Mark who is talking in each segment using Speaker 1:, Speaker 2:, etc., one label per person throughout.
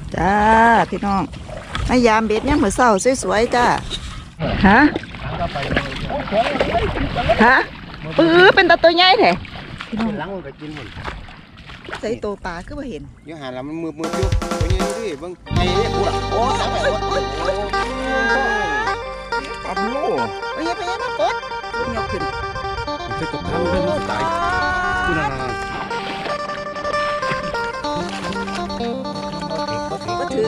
Speaker 1: จ้าพี่น้องมายามเบ็ดเนี่ยเหมือนเศร้าสวยๆจ้าฮะฮะเป็นตัวใหญ่แท้พี่น้อง
Speaker 2: หลังมันก็กินหมด
Speaker 1: ใส่ตัวปลาก็มาเห็น
Speaker 2: อยู่หาแล้วมันมืออยู่ตัวนี้ดิเบิ่งไอ้เนี่ยกูล่ะโอ้ตายไปหมดอับลูก
Speaker 1: ไปยังมาปดยกขึ้น
Speaker 2: ไปตกน้ำเรื่องตายกูน่ะ
Speaker 1: ก็ถือ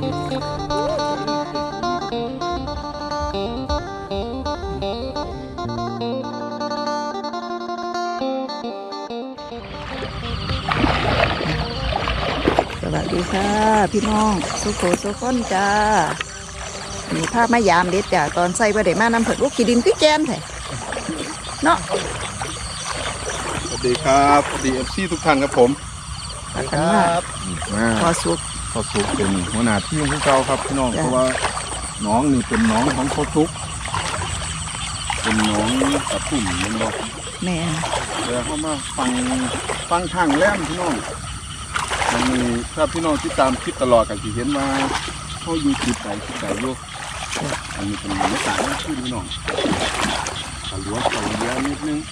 Speaker 1: สวัสดีค่ะพี่น้องสุโขสุขอนจ้ามีภาพมายามเด็ดจ้าตอนใส่บะเดมาน้ำเผิดลูกขี้ดินขี้แกนแท้เนาะ
Speaker 3: สวัสดีครับสวัสดีFCทุกท่านครับผม
Speaker 1: ครับ พอสุก
Speaker 3: พ่อสุกเป็นหัวหน้าทีมของเราครับพี่น้องเพราะว่าน้องนี่เป็นน้องของพ่อสุกเป็นน้องกระตุ่มมันบอก
Speaker 1: แม่
Speaker 3: เดี๋ยวเข้ามาฟังทางแล่มพี่น้องมันมีถ้าพี่น้องที่ตามคลิปตลอดกันจะเห็นว่าเขาอยู่คลิปไหนอยู่อันนี้เป็นบรรยากาศที่พี่น้องตะล้วตะเลียนิดนึง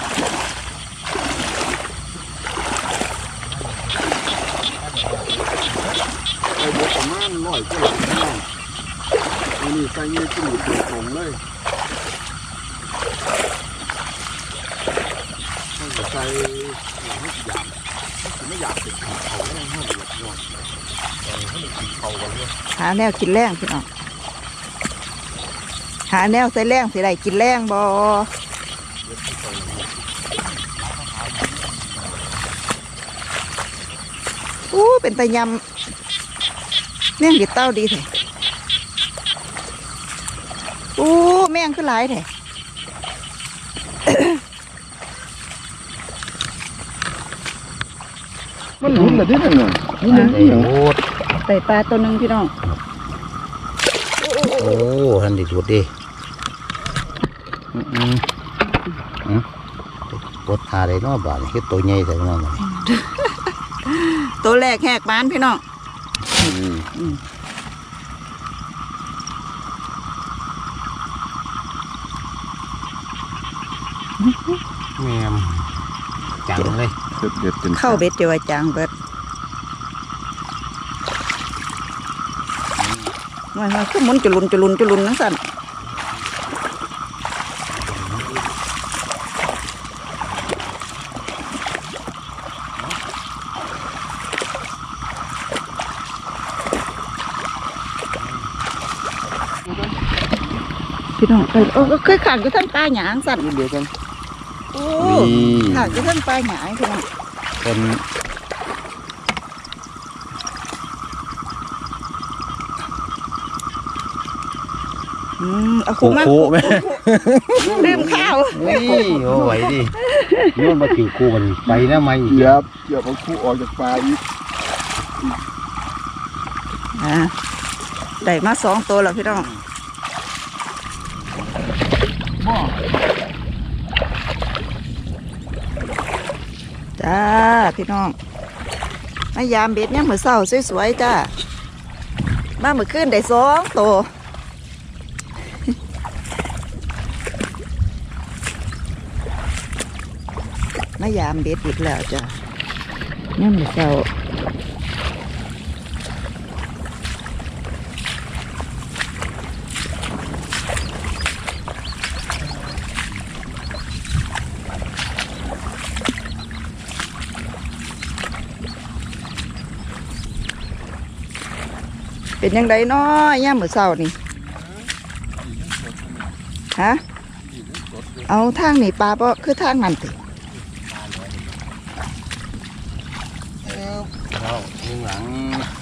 Speaker 3: ไอ้บวกประมาณ100กว่าพี่น้องอันนี้ใส่เงี้ยจิ้มตรงเลยต้องใส่ไม่อยากเป็นเขาไม่ให้หมดหรอกให้มันกินเขากันเลย
Speaker 1: หาแนวกินแรงพี่น้องหาแนวใส่แรงสิได้กินแรงบ่เป็นตะยำแม่งดิดเต้าดีแท้แม่งขึ้นหลายแท้
Speaker 3: มันหลุดเลยที่นั่นน่ะนี่มันเอียง
Speaker 1: ใส่ปลาตัวหนึ่งพี่น้อง
Speaker 2: โอ้ท่านดิดูดิปวดหาได้เนาะบาดเฮ็ดตัวใหญ่แต่นั่นน่ะ
Speaker 1: ตัวแรกแหกบ้านพี่น้อง
Speaker 2: แม่มจังเลย
Speaker 3: เด็ดเป็น
Speaker 1: เข้าเบ็ดเดียวจางเบิดมันคือหมุนจุลุนนั่งสั่นพี่น้องเคยขังอยู่ทั้งปลาหยางสั่น
Speaker 3: เดียวกัน
Speaker 1: ขังอยู่ทั้งปลาหยางพี่น้อง
Speaker 2: เป็น
Speaker 1: เอาคู่มาแม่ลืมข้าว
Speaker 2: นี่โอ้ไหวดิโยนมาถือคู่มันไปนะไม่
Speaker 3: เหยียบเอาคู่ออกจากปลาอีก
Speaker 1: ได้มา2 ตัวแล้วพี่น้องจ้าพี่น้องมายามเบ็ดเนี่ยเหมือนเศร้าสวยๆจ้ามาเมื่อคืนได้2 ตัวมายามเบ็ดอีกแล้วจ้ะเนี่ยเหมือนเศร้าเป็นยังไงเนาะย่ามมื้อเช้านี่ฮะเอาทางนี่ปลาบ่คือทางนั้นติ
Speaker 2: เราข้างหลัง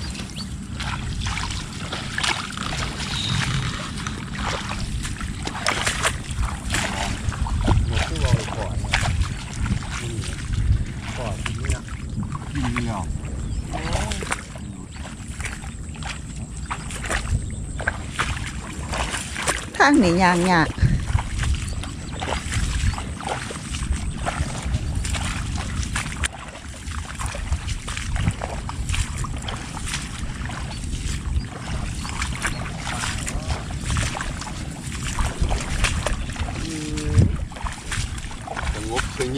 Speaker 1: ทางนี่ยางยาก
Speaker 2: เ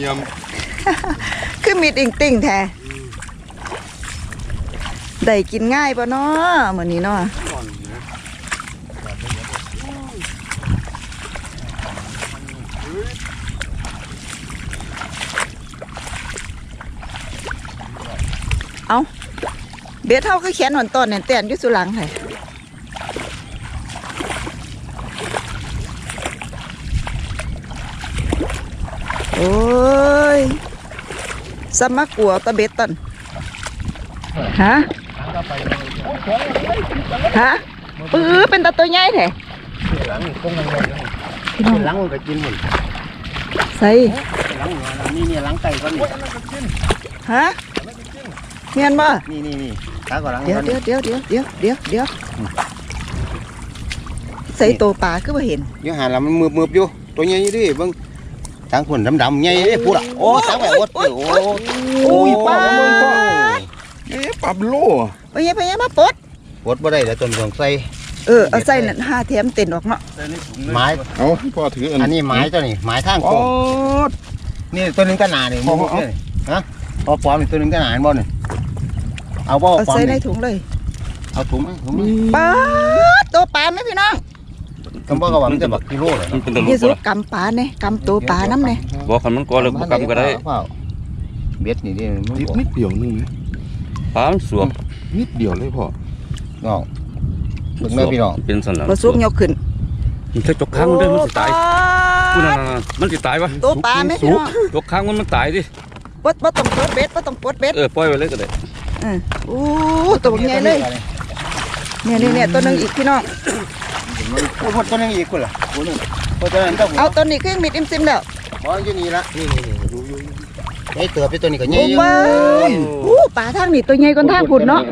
Speaker 3: ยี่ยม
Speaker 1: คือมีดอิงติ่งแท้ได้กินง่ายป่ะเนาะมื้อนี้เนาะเอาเบ็ดเท่าคือแขนหอนต้นเนี่ยแตนอยู่สุหลังไห้โอ้ยสมักกัวตะเบ็ดต้นฮะฮะเป็นตาตัวใหญ่แท้
Speaker 2: หลังคงยังไง
Speaker 1: พี่น้อง
Speaker 2: หลังมันก็กินหมด
Speaker 1: ใส่
Speaker 2: หลังนี่หลังไก่ก็นี่
Speaker 1: ฮะเงียนบ่
Speaker 2: นี่ตาก็หลัง
Speaker 1: เดี๋ยวใส่ตัวปลาคือบ่เห็น
Speaker 2: ยังหาแล้วมันมืบอยู่ตัวใหญ่ดิเบิ่งทางคนดำๆใหญ่พูดอ่ะโอ้ทางแบบโอ้โอ้ยป้า
Speaker 3: ปรับโล
Speaker 1: ไปยังมาปลด
Speaker 2: ปวดบ่ได้แล้วต้นของใส่
Speaker 1: เอาใส่นั่น5แถมเต็นออกเนาะ
Speaker 2: ไม้
Speaker 3: เอาพ่อถือ
Speaker 2: อันนี้ไม้ตัวนี้ไม้ทาง
Speaker 3: อ๋
Speaker 2: โค้
Speaker 3: อง
Speaker 2: นี่ตัวนึงก็หนานี่มุกนี่ฮะพอปลอมนี่ตัวนึงก็หนาบ่นี่เอาบ่
Speaker 1: เอา
Speaker 2: ปลอม
Speaker 1: ใส่ใน
Speaker 2: นี่
Speaker 1: ถุงเลย
Speaker 2: เอาถุงมั้ยถุงมั้ย
Speaker 1: ปลาตัวปลาไหมพี่น้อง
Speaker 2: กำบ่ก็ว่ามันจะบักกิโลเลย
Speaker 4: มันเป็นตะลุ
Speaker 1: นี่
Speaker 4: ก
Speaker 1: สุ
Speaker 4: บ่ล่ะ
Speaker 1: กำปลาเนี่ยกำตัวปลาน้ำเนี่ย
Speaker 4: บอกคันมันก่อเลยบ่กำก็ได้
Speaker 2: เบ็ดนี่ดิมัน
Speaker 3: นิดนิดเดียวนึงนะ
Speaker 4: ปลามันสวม
Speaker 3: นิดเดียวเลยพ่อ
Speaker 2: เนาะเบิ่งแม่พี่น้อง
Speaker 4: เป็นสันหลัง
Speaker 1: บ่สุกยกขึ้น
Speaker 4: มันถ้าจกค้างมันเด้อมันสิตายกูนั่นมันสิตายวะ
Speaker 1: ตัวปลาไหมพี่น้อง
Speaker 4: จกค้างมันตายดิ
Speaker 1: บ่ต้องปลดเบ็ดบ่ต้องปลดเบ็ด
Speaker 4: ปล่อยไว้เลยก็ได้
Speaker 1: โอ้ตัวใหญ่เลยเนี่ยตัวนึงอีกพี่น้อง
Speaker 2: พูดตัวนึงอีกคนล่ะตัวนึงตัวนั้นต้อง
Speaker 1: เอาตัวนี้เครื่องมิดอิ่มซิมแล้ว
Speaker 2: บ่อยู่นี่ละนี่ดูไอ้เตือไปตัวนี้ก็ใหญ่
Speaker 1: โอ้
Speaker 2: อยู่
Speaker 1: ว้าวปลาทางนี้ตัวใหญ่กว่าทางพุ่นเนาะ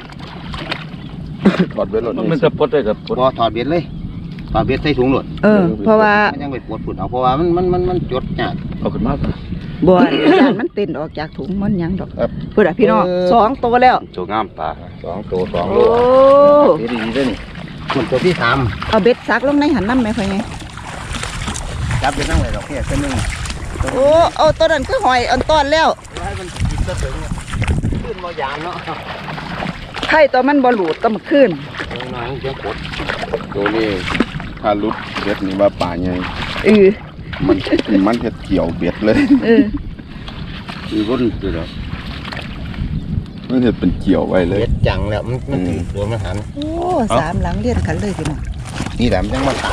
Speaker 3: ถอดเบ็ดรถ
Speaker 4: มันจะปลดได้กับปลด
Speaker 2: บ่ถอดเบ็ดเลยถอดเบ็ดใส่ถุงหลด
Speaker 1: เพราะว่า
Speaker 2: มันยังไปปวดฝุ่นเอาเพราะว่ามันจดยาก
Speaker 4: เอาขึ้นมา
Speaker 1: บ่อนยานมันเต้นออกจากถุงมันหยังดอกเพื่อพี่น้อง2ตัวแล้ว
Speaker 4: โจงามปลา
Speaker 2: 2ตัว2โล
Speaker 1: โอ้
Speaker 2: ดีๆเด้อนี่ส่วนตัวที่3
Speaker 1: เอาเบ็ดซักลงในหันน้ำไหมพ่อไง
Speaker 2: จับไปนั่งเลยดอกเบี้ยตัวนึง
Speaker 1: โอ้เอาตัวนั้นคือหอยอันต้อนแล้ว
Speaker 2: ให้มันกินซะถึงขึ้นบ่ยางเนาะ
Speaker 1: ไข่ตัวมันบ่หลุดต้องมาขึ้น
Speaker 2: น้อยจะปวด
Speaker 3: ตัวนี้ถ้าลุดเบ็ดนี่ว่าป่าใหญ่ มันเฮ็ดเกี่ยวเบ็ดเลย
Speaker 4: มีรุ่นอยู่แล้ว
Speaker 3: มันเฮ็ดเป็นเกี่ยวไว้เลย
Speaker 2: เบ็ดจังแล้วมันถึงตัวมันหัน
Speaker 1: โอ้3หลังเลียนกันเลยพี่น้อง
Speaker 2: นี่แหละมันยังมาตาย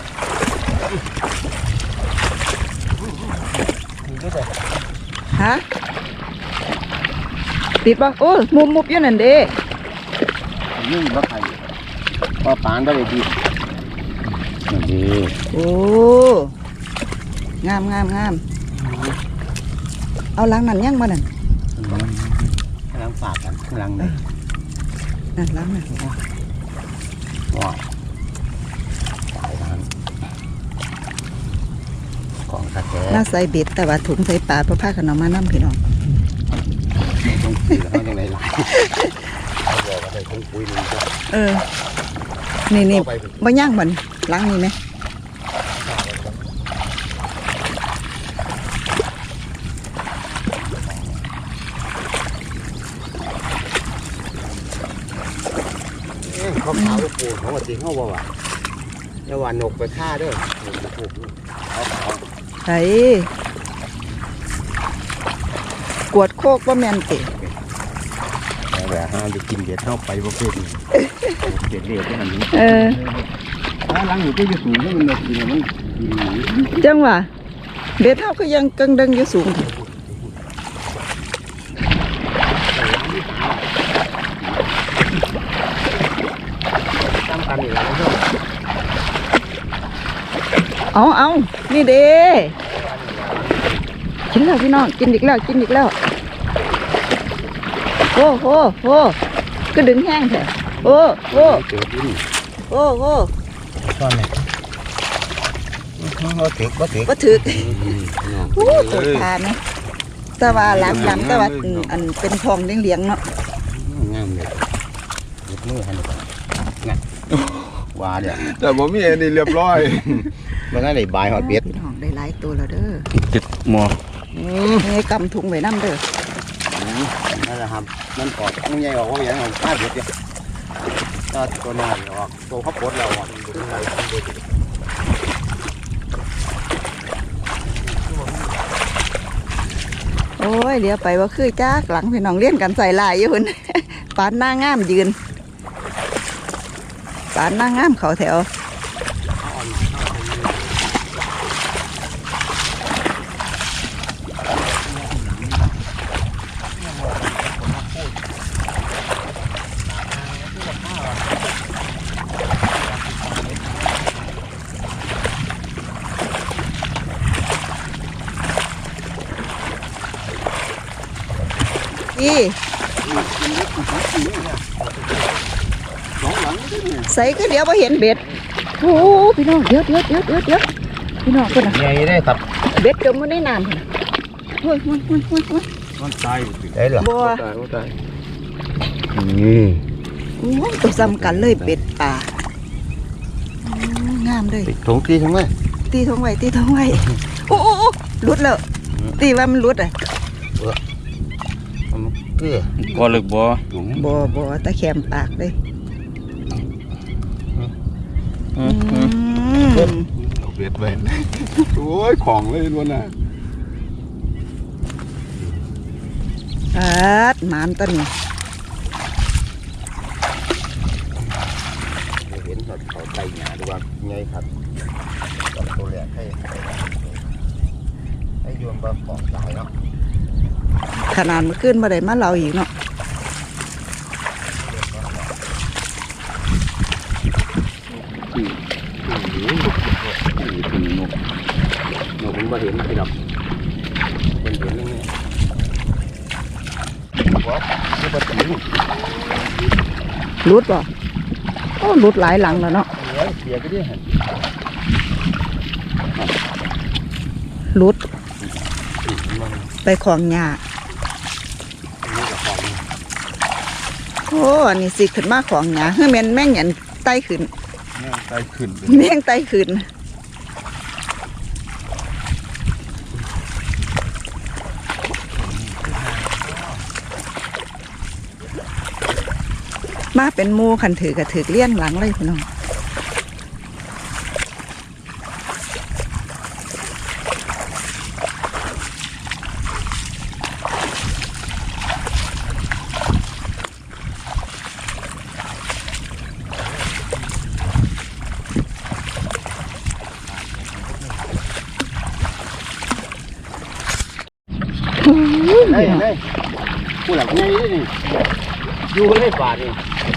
Speaker 1: ฮะติดป่ะโอ้มุบอยู่นั่นเด้
Speaker 2: นี่บ่ใครพอปานบ่ได้ดีนี่
Speaker 1: โอ้งามเอาหลังนั่นยังบ่นั่น
Speaker 2: กำลังฝากกันกำลังเลย
Speaker 1: นั่นหลังนั่น
Speaker 2: ว้าวตายทันของตะแก
Speaker 1: น่าใส่เบ็ดแต่ว่าถุงใส่ปลาเพราะผ้าขนมมาน้ำพี่น้อง
Speaker 2: ต้องคุยแล้วเขายังไงล่ะเขาบอกว่าได้คงคุยนึงก็
Speaker 1: นี่
Speaker 2: ไป
Speaker 1: บ่ย่างมันหลังนี่ไหม
Speaker 2: เขาขาวปูเขาว่าจริงเขาบอกว่าแล้วว่านกไปฆ่าเด้อเขาขาว
Speaker 1: ไอ้กวดโคกว่าแม่นติ
Speaker 2: แต่ห้ามจะกินเบ็ดเข้าไปประเภทนี้เบ็ดเรียบที่มันนี้ ถ้าล้างอยู่ก็จะสูงให้มันเลยกินมัน
Speaker 1: จังหวะเบ็ดเท่าก็ยังกังดังอยู่สูง
Speaker 2: ตามกันนี่แหละ
Speaker 1: เอานี่เด้กินแล้วพี่น้องกินอีกแล้วโอ้โหก็ดึงแห้งเถอะโอ้
Speaker 2: เจอดิน
Speaker 1: โอ้
Speaker 2: ตอนนี้ก็ถึก
Speaker 1: ก็ถือโอ้ตัวปลาไหมแต่ว่าหลังแต่ว่าอันเป็นทองเลี้ยงเนาะ
Speaker 2: งามเลยยกมือให้หน่อยงัดว่าเดี๋ยว
Speaker 3: แต่บ่มีอันนี้เรียบร้อย
Speaker 2: มันก็ได้บายหอดเบ็ด
Speaker 1: พี่น้องได้หลายตัวแล้วเด้อ
Speaker 4: ติดหมอ
Speaker 2: อื
Speaker 1: นี่กำถุงไว้น้ำเด้อ
Speaker 2: นั่นแหละครับมันออกมันใหญ่ออกว่าอย่างนั้นป้าเด็ดเนี่ยถ้าตัวน้อยออกตัวเขาปวดเราอ่ะ
Speaker 1: โอ้ยเดี๋ยวไปว่าคือจ้ากหลังพี่น้องเลี้ยนกันใส่ลายอยู่ พุ่น ปานหน้างามยืนปานหน้างามเขาแถวใส่ก็เดี๋ยวพอเห็นเบ็ดโอ้พี่น้องเดี๋ยวพี่น้องคนน่ะ
Speaker 2: ใหญ่ได้ครับ
Speaker 1: เบ็ดจมมันได้นานโอ้ย
Speaker 3: มันตายอยู่สิ
Speaker 2: ได้เหรอ
Speaker 1: บัว
Speaker 3: ตายว่าตาย
Speaker 1: โอ้ยตัวซ้ำกันเลยเป็ดป่าอืมงามเลย
Speaker 2: ถุงที่ทั้งไหม
Speaker 1: ตีทงไว้โอ้หลุดแล้วตีว่ามันหลุดอ่ะ
Speaker 2: เกลือ
Speaker 4: บ่ลึกบ่
Speaker 1: บ่ตะแคมปากเลย
Speaker 3: เอาเบ็ดไว้โอ้ยของเลยล้วนน่ะ
Speaker 1: หมานตัวนี้
Speaker 2: เห็นเขาไก่หนาดูว่าไงครับตัวแรกให้โยนบะปอกตายเนาะ
Speaker 1: ขนาดมันขึ้นมาได้มาเราอีกเนาะ
Speaker 2: ถึงนกมันมาเห็นพี่น้องมันเห็นนี่ว้านี่ปลาติ๋ว
Speaker 1: หลุดบ่โอ้หลุดหลายหลังแล้วเนาะ
Speaker 2: เสียก็ได้เห็น
Speaker 1: หลุดไปของหญ้าโอ้อันนี้สิขึ้นมาของหญ้าเฮ้ยแม่นแม่งหยันไต่ขึ้น
Speaker 3: แม่งตายขึ้นเลย
Speaker 1: แม่งไต่ขึ้นมาเป็นหมูขันถือกระถือเลี้ยนหลังเลยพี่น้อง
Speaker 2: ได้ผู้หลักไงนี่อยู่ได้บาทนี่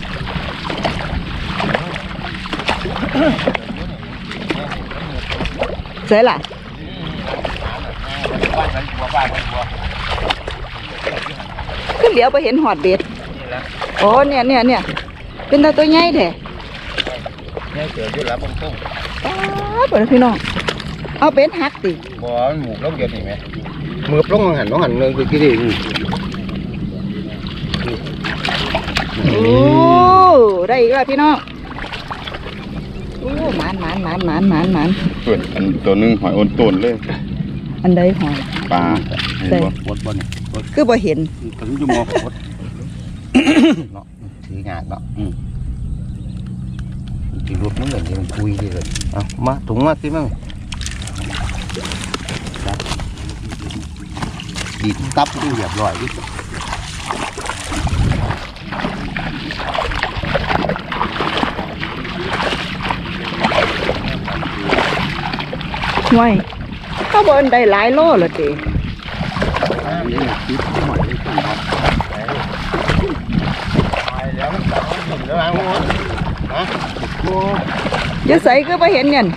Speaker 1: เสร็จละขึ้นเหลียวไปเห็นหอดเบ็ดโอ้เนี่ยเป็นตัวใหญ่แท้
Speaker 2: เนี่ยเสืออยู่แล้วบนต้น
Speaker 1: เปิดพี่น้องเอาเป็นหักติ
Speaker 2: บ่หมูลงเดียวนี่ไหมมือปล้องหันน้องหันเงินคือกี่ดี
Speaker 1: โอ้ได้อีกแล้วพี่น้องโอ้หมาน
Speaker 3: ส่วนอันตัวนึงหอยโอนต้นเลย
Speaker 1: อันใดหอย
Speaker 3: ปลา
Speaker 1: ใส่
Speaker 2: วดบ่เนี่ย
Speaker 1: คือบ่เห็น
Speaker 3: ถึงจะมองวด
Speaker 2: เนาะถืองานเนาะจีรถมันเหมือนมันคุยดีเลยเอามาถุงมาสิมั่งดีตับดูเรียบร้อยดิ
Speaker 1: ห่วยเขาบ่อันใดหลายโลละติ
Speaker 3: นี่คิดหอยขึ้นมา
Speaker 2: ไปแล้วมันตัดหินแล้วนะหัวฮะ
Speaker 1: อย่าใส่คือบ่เห็นเนี่ย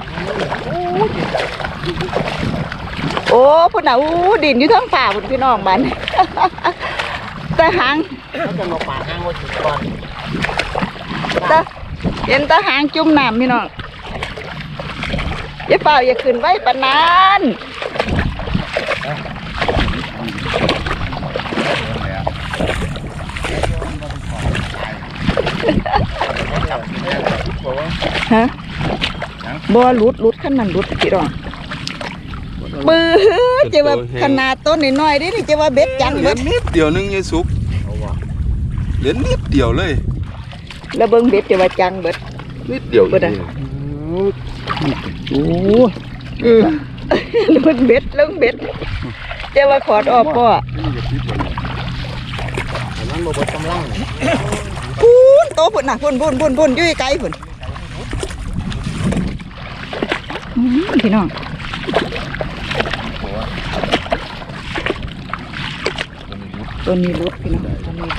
Speaker 1: โอ้พุ่นน่ะอู้ดินอยู่ทั้งฝ่าพุ่นพี่น้องบัด แต่หาง
Speaker 2: เขาจะมาปาดห้างไว้ถึงก่อน
Speaker 1: แต่เห็นแต่หางจุ่มน้ำพี่น้องอย่าเปล่าอย่าขึ้นไว้ปานนั้น ฮะบ่หลุดขั้นนั้นหลุดพี่น้อง
Speaker 3: ว
Speaker 1: ปื้อจะว่าขนาดต้นน้อยๆนี่จะว่าเบ็ดจัง
Speaker 3: เหลื
Speaker 1: เบิ
Speaker 3: อ
Speaker 1: ด
Speaker 3: นิดเดียวนึงยายสุกเหลือนิดเดียวเลย
Speaker 1: แล้วเบิ่งเบ็ดจะว่าจังเบิด
Speaker 3: นิดเดียว
Speaker 1: เบิดอะ
Speaker 2: โอ้
Speaker 1: ลุ้นเบ็ดลุ้นเบ็ดจะว่าขอดออกป่ะ
Speaker 2: อันนั้นบ่เบิดกำลัง
Speaker 1: พูนโตพุ่นน่ะพุ่นอยู่ไกลพุ่นพี่น้องตัวนี้ลุดพี่น้องตัวนี้ลุด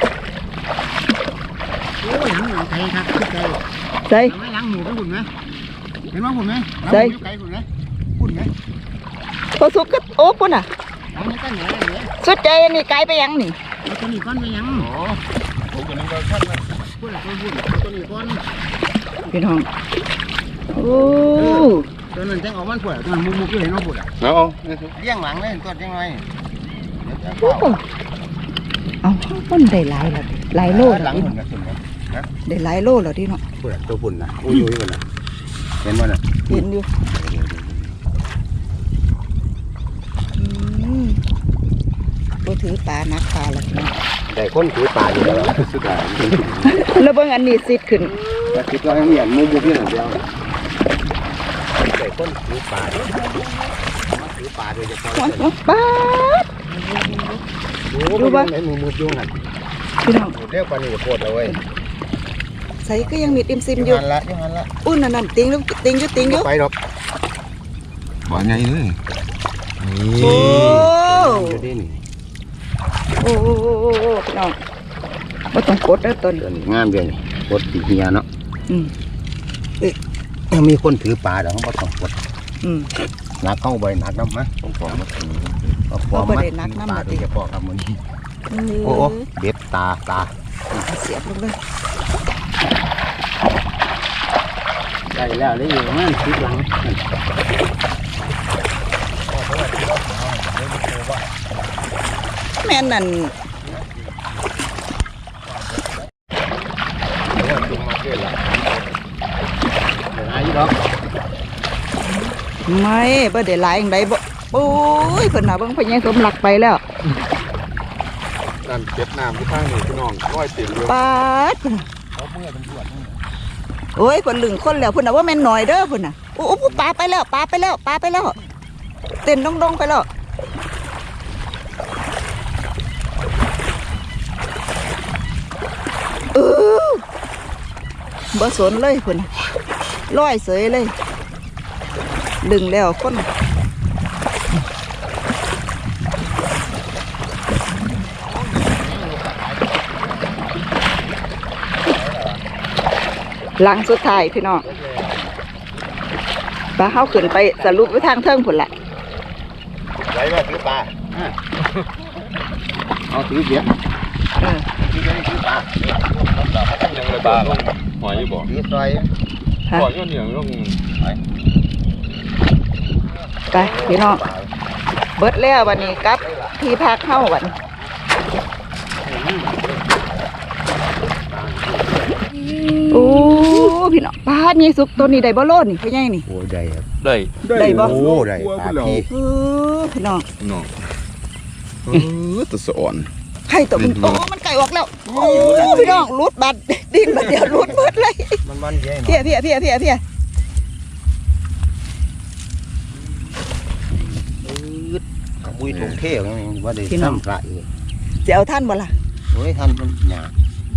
Speaker 2: โอ้ยหลังหลังไกลครับไกล
Speaker 1: ใส่
Speaker 2: ไม่หลังหมูไปหุ่นไหมเห็นว่าหุ่นไหม
Speaker 1: ใส่
Speaker 2: ไกลหุ่นไหมหุ่นไหม
Speaker 1: พอสุกก็โอ้พุ่นน่ะ
Speaker 2: หลังนี้ก็เหนือเหนือ
Speaker 1: สุดใจอันนี่ไกลไปยังนี่
Speaker 2: เอาตัวนี้ก้อนไปยัง
Speaker 3: อ๋อผมก็นึกว่าขั้นนะ
Speaker 2: หุ่นละตัวหุ่นตัวนี้ก้อน
Speaker 1: พี่น้องโอ้
Speaker 2: ตัวนั้นแจ้งออกมันปวดตัวนั้นมุกอยู่เห็นว่าปวด
Speaker 3: เอา
Speaker 2: เลี้ยงหลังเลยตัวยังไง
Speaker 1: โหเอาพุ่นได้หลายแล้วหลายโล
Speaker 2: ห
Speaker 1: แล้
Speaker 2: ลั
Speaker 1: ว
Speaker 2: งหุ่นนะหุ่นนะ
Speaker 1: ได้หลายโลแล้วดิเนาะ
Speaker 2: ปวดตัวหุ่นนะอุ้ยหุ่นนะเห็นว่าน่ะ
Speaker 1: เห็นอยู่บ่ถือปลานักปลาแล้วพี่น้อง
Speaker 2: ได้คนถือปลาอยู่แล้วสุดท้าย
Speaker 1: แล้วเบิ่งอันนี้ซิดขึ้น
Speaker 2: แต่คิดว่ายังเหมียนมุกอยู่หน่อยเดียวได้คนถือปลาถือปลาโดยเฉพาะ
Speaker 1: ปลาด
Speaker 2: รู้ป่ะไหนมุกอยู่หัน
Speaker 1: พี่น้อง
Speaker 2: เรียกปลานี่โคตรเลย
Speaker 1: ใส่ก็ยังมีติมซิมอยู่
Speaker 2: ยังหันละ
Speaker 1: อุ้นนั่นติงอยู่ติงอยู่
Speaker 2: ไปหรอก
Speaker 3: ว่าไงเลย
Speaker 1: โอ้
Speaker 2: อยู่ที่นี่
Speaker 1: โอ้พี่น้องบ่ต้องกดเด้อต้น
Speaker 2: ตัวนี้งามเดียวนี่กดตีเฮียเนาะ
Speaker 1: อืม
Speaker 2: ยังมีคนถือปลาเดี๋ยวเขาต้องกด
Speaker 1: อืม
Speaker 2: หนักเข้าไปหนักน้ำมั้ยต้องขอมาถือปลาโดยเฉพาะครับมันโอ้เบ็ดตา
Speaker 1: เสียบลงเลย
Speaker 2: ได้แล้วได้อยู่นั่นคิดหลัง
Speaker 1: แม่นนั่น
Speaker 2: จุ่มมาเกินละเดี๋ยวอายุหรอก
Speaker 1: ไม่บ่ได้หลายจังไดบ่โอ้ยเพิ่นน่ะเบิ่งเพิ่นยังสมหลักไปแล้ว
Speaker 3: นั่นเก็บน้ำที่ข้างนี่พี่น้องร้อยเต็มเลย
Speaker 1: ปาดเพิ่นน่ะโอ้ยเพิ่นลึงคนแล้วเพิ่นน่ะว่าแม่นหน่อยเด้อเพิ่นน่ะโอ้ปลาไปแล้วเต้นดงๆไปแล้วบ่สนเลยเพิ่นลอยเสยเลยดึงแล้วคนหลังสุดท้ายพี่น้องปลาเฮาขึ้นไปสรุปไปทางเทิงพุ่นแหละ
Speaker 2: ไรว่าถือปลาเอาถือเบียร์ถือเบียร์ถือปลา
Speaker 3: ยังเลยบ้าหอยอยู่บ่
Speaker 2: ถือซอย
Speaker 1: ฮะ
Speaker 3: หอยก็เหนียวต้อง
Speaker 1: ไปพี่น้องเบิดแล้ววันนี้กลับที่พักเฮาวันโอ้พี่น้องปลานี่สุกตัวนี้ได้บ่โลดนี่พ่อใหญ่นี่
Speaker 2: โอ้ได้ครับ
Speaker 4: ได้
Speaker 1: ได้บ่
Speaker 2: โอ้ได้ปลาพี่
Speaker 1: พี่น้อง
Speaker 3: น้องตัวสะอ่อน
Speaker 1: ไข่ตัวมันโอ้มันไก่ออกแล้วโอ้พี่น้องรูดบัดดิ้นบัดเดียวรูดเบิดเลย
Speaker 2: มันเย้
Speaker 1: เพี้ยเพี้ยเพี้ยเพี้ยเพี้ย
Speaker 2: บุยถงเท่ว่าได้ทำปลาอีก
Speaker 1: จะเอาท่านบ่ล่ะ
Speaker 2: โอ้ยท่านมันหยา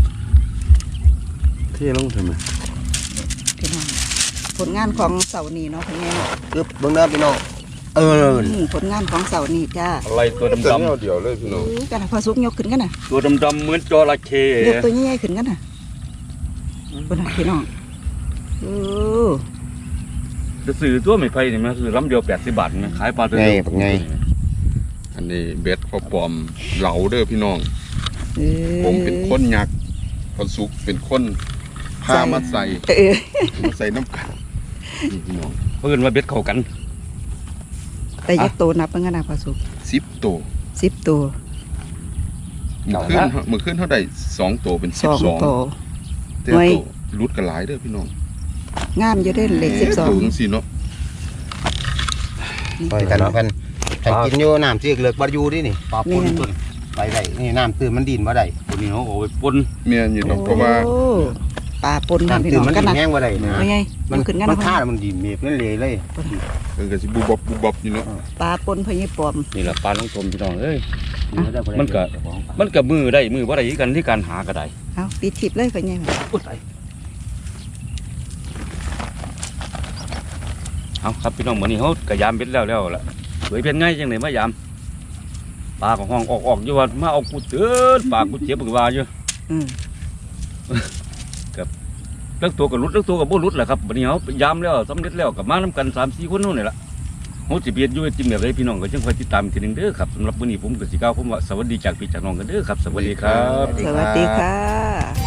Speaker 3: เท่ลงทำไม
Speaker 1: พี่น้องผลงานของเสาร์นี้เนาะพ่อใหญ่เนาะ
Speaker 2: คือเบื้องหน้าพี่น้อง
Speaker 1: ผลงานของเสาร์นี้จ้า
Speaker 4: อะไรตัว
Speaker 3: แต่
Speaker 4: ดำ
Speaker 3: เนี่ยเดียวเลยพี่น้อง
Speaker 1: กันนะพอสุกยกขึ้นกันนะ
Speaker 4: ๆตัวดำๆเหมือนจระเข้
Speaker 1: ยกตัวใหญ่ๆขึ้นกันนะบนพี่น้องโอ้
Speaker 4: จะซื้อตัวไม่ไผ่นี่มันซื้อลำเดียว80 บาทนะขายปลาตัว
Speaker 2: ไง
Speaker 4: เดียว
Speaker 2: ไง
Speaker 3: อันนี้เบ็ดพอปลอมเหลาเด้อพี่น้อง
Speaker 1: เออ
Speaker 3: ผมเป็นคนยักษ์พอสุกเป็นคนพามาใส่ มาใส่น้ำกันนี่พี่น้อง
Speaker 4: เพิ่นว่าเบ็ดเข้ากัน
Speaker 1: แต่ยักษ์โตนับเป็นกันนะพอสุก
Speaker 3: 10ตัว
Speaker 1: 10 ตัว
Speaker 3: มือขึ้นเท่าใด2ตัวเป็น
Speaker 1: 2 ตัว
Speaker 3: 12แต่ตัวรุดกันหลายเด้อพี่น้อง
Speaker 1: งามอยู่ได้เลข
Speaker 3: ตัว
Speaker 1: 12
Speaker 3: จังซี่เนาะ
Speaker 2: ปล่อยกันกันกินอยู่น้ำที่เลิกบ่อยู่ดินี่ปลาปนต้นไปได้นี่น้ำตื้นมันดินบ่ได้
Speaker 4: ตัวนี้เขาเอาไปปน
Speaker 3: เมียนอยู่ตรงเพราะว่า
Speaker 1: โอ้ปลาปนนะพี่
Speaker 2: น้ำตื้
Speaker 1: น้
Speaker 2: น
Speaker 1: อง
Speaker 2: มัน
Speaker 1: กัน
Speaker 2: ดิน
Speaker 1: นะ
Speaker 2: แห้งบ่ได้นะ
Speaker 1: ไม่ไง
Speaker 2: มัน
Speaker 1: ขึ้นกัน
Speaker 2: มั
Speaker 1: นะ
Speaker 2: นฆ่ามันดินเมฟนั่นเลย
Speaker 3: ก็สิบุบบอยู่เนาะ
Speaker 1: ปลาปนพญปอม
Speaker 4: นี่แหละปลาลงทมพี่น้องเอ้ย
Speaker 2: มัน
Speaker 4: มันก็มือได้มือบ่ได้กันที่การหาก็ได้
Speaker 1: เอาปีทิพย์เลยพญ
Speaker 4: อุ๊ยตายเอาครับพี่น้องมื้อนี้เฮากะยามเบ็ดแล้วล่ะสวยเป็นไงจังได๋มายามปลาก็ห้องออกอยู่ว่ามาเอากูเตือนปลากูเจ็บบึกว่าอยู่
Speaker 1: อืม
Speaker 4: เลิกตัวก็หลุดเลิกตัวก็บ่หลุดแหละครับบัดนี้เฮายามแล้วสำเร็จแล้วก็มานํกัน 3-4 คนนู่นนี่ล่ะเฮาสิเบียดอยู่จิ้มแบบใดพี่น้องก็จังค่อยติดตามอีกทีหนึงเด้อครับสำหรับมื้อนี้ผมก็สิกล่าวผมว่าสวัสดีจากพี่จากน้องกันเด้อครับสวัสดีครับ
Speaker 1: สวัสดีค่ะ